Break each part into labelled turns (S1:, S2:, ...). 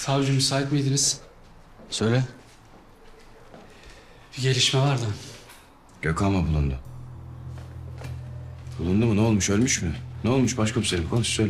S1: Savcı müsait miydiniz?
S2: Söyle.
S1: Bir gelişme vardı.
S2: Gökhan mı bulundu? Bulundu mu? Ne olmuş? Ölmüş mü? Ne olmuş başkomiserim? Konuş söyle.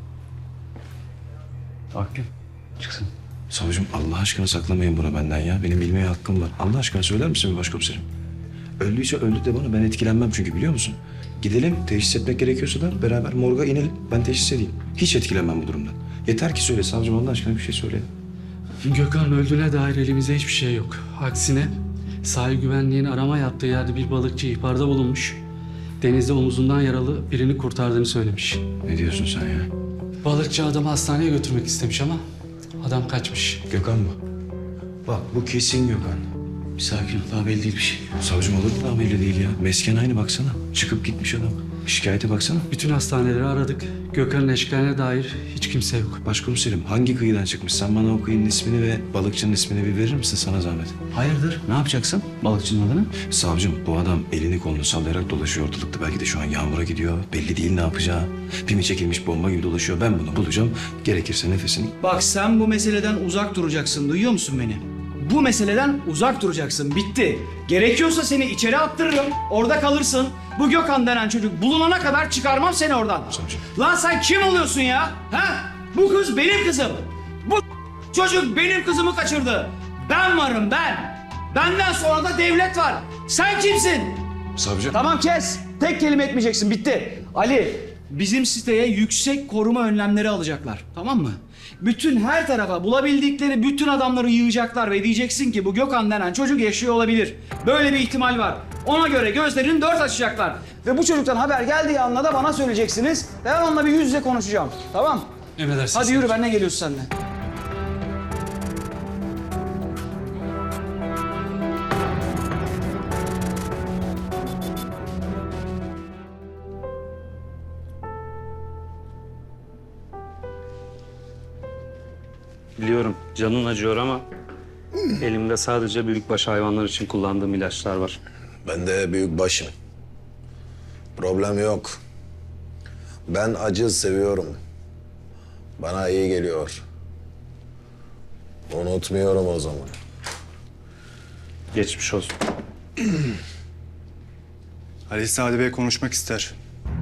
S1: Hakim. Çıksın.
S2: Savcım Allah aşkına saklamayın bunu benden ya. Benim bilmeye hakkım var. Allah aşkına söyler misin başkomiserim? Öldüyse öldü de bana. Ben etkilenmem çünkü biliyor musun? Gidelim teşhis etmek gerekiyorsa da beraber morga inelim. Ben teşhis edeyim. Hiç etkilenmem bu durumdan. Yeter ki söyle savcım Allah aşkına bir şey söyle.
S1: Gökhan'ın öldüğüne dair elimizde hiçbir şey yok. Aksine sahil güvenliğin arama yaptığı yerde bir balıkçı ihbarda bulunmuş. Denizde omuzundan yaralı birini kurtardığını söylemiş.
S2: Ne diyorsun sen ya?
S1: Balıkçı adamı hastaneye götürmek istemiş ama adam kaçmış.
S2: Gökhan mı? Bak bu kesin Gökhan.
S1: Bir sakin ol, daha belli değil bir şey.
S2: Savcım olur mu daha belli değil ya? Mesken aynı baksana. Çıkıp gitmiş adam. Şikayete baksana.
S1: Bütün hastaneleri aradık. Gökhan'ın eşkaline dair hiç kimse yok.
S2: Başkomiserim hangi kıyıdan çıkmış? Sen bana o kıyının ismini ve balıkçının ismini bir verir misin sana zahmet?
S3: Hayırdır? Ne yapacaksın balıkçının adını?
S2: Savcım bu adam elini kolunu sallayarak dolaşıyor ortalıkta. Belki de şu an yağmura gidiyor. Belli değil ne yapacağı. Pimi çekilmiş bomba gibi dolaşıyor. Ben bunu bulacağım. Gerekirse nefesini...
S3: Bak sen bu meseleden uzak duracaksın. Duyuyor musun beni? Bu meseleden uzak duracaksın. Bitti. Gerekiyorsa seni içeri attırırım. Orada kalırsın. Bu Gökhan denen çocuk bulunana kadar çıkarmam seni oradan.
S2: Savcım.
S3: Lan sen kim oluyorsun ya? Ha? Bu kız benim kızım. Bu çocuk benim kızımı kaçırdı. Ben varım ben. Benden sonra da devlet var. Sen kimsin?
S2: Savcım.
S3: Tamam kes. Tek kelime etmeyeceksin. Bitti. Ali, bizim siteye yüksek koruma önlemleri alacaklar. Tamam mı? Bütün her tarafa bulabildikleri bütün adamları yığacaklar ve diyeceksin ki bu Gökhan denen çocuk yaşıyor olabilir. Böyle bir ihtimal var. Ona göre gözlerini dört açacaklar. Ve bu çocuktan haber geldiği anda da bana söyleyeceksiniz. Ben onunla bir yüz yüze konuşacağım. Tamam?
S1: Emredersiniz.
S3: Hadi yürü, benimle geliyorsun seninle.
S4: Biliyorum canın acıyor ama elimde sadece büyükbaş hayvanlar için kullandığım ilaçlar var.
S5: Ben de büyük başım. Problem yok. Ben acı seviyorum. Bana iyi geliyor. Unutmuyorum o zaman.
S4: Geçmiş olsun.
S6: Ali Sadi Bey konuşmak ister.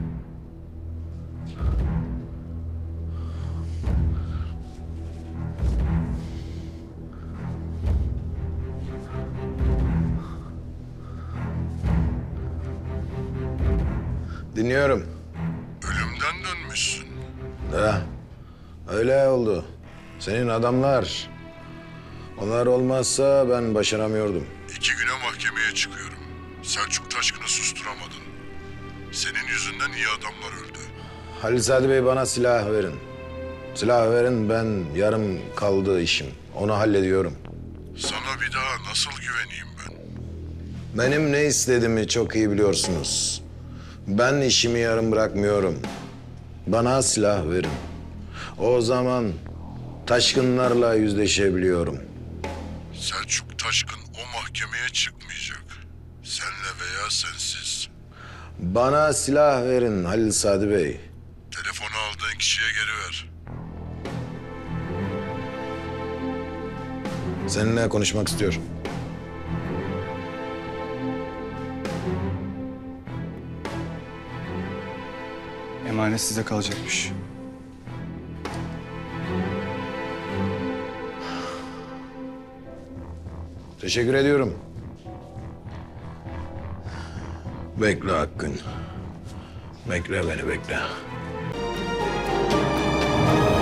S5: Dinliyorum.
S7: Ölümden dönmüşsün.
S5: Ha, öyle oldu. Senin adamlar. Onlar olmazsa ben başaramıyordum.
S7: 2 güne mahkemeye çıkıyorum. Selçuk Taşkın'ı susturamadın. Senin yüzünden iyi adamlar öldü.
S5: Halil Sadi Bey bana silah verin. Silah verin, ben yarım kaldı işim. Onu hallediyorum.
S7: Sana bir daha nasıl güveneyim ben?
S5: Benim ne istediğimi çok iyi biliyorsunuz. Ben işimi yarım bırakmıyorum. Bana silah verin. O zaman taşkınlarla yüzleşebiliyorum.
S7: Selçuk Taşkın o mahkemeye çıkmayacak. Senle veya sensiz.
S5: Bana silah verin Halil Sadi Bey.
S7: Telefonu aldığın kişiye geri ver.
S5: Seninle konuşmak istiyorum.
S6: Emanet size kalacakmış.
S5: Teşekkür ediyorum. Bekle Hakkın. Bekle beni bekle.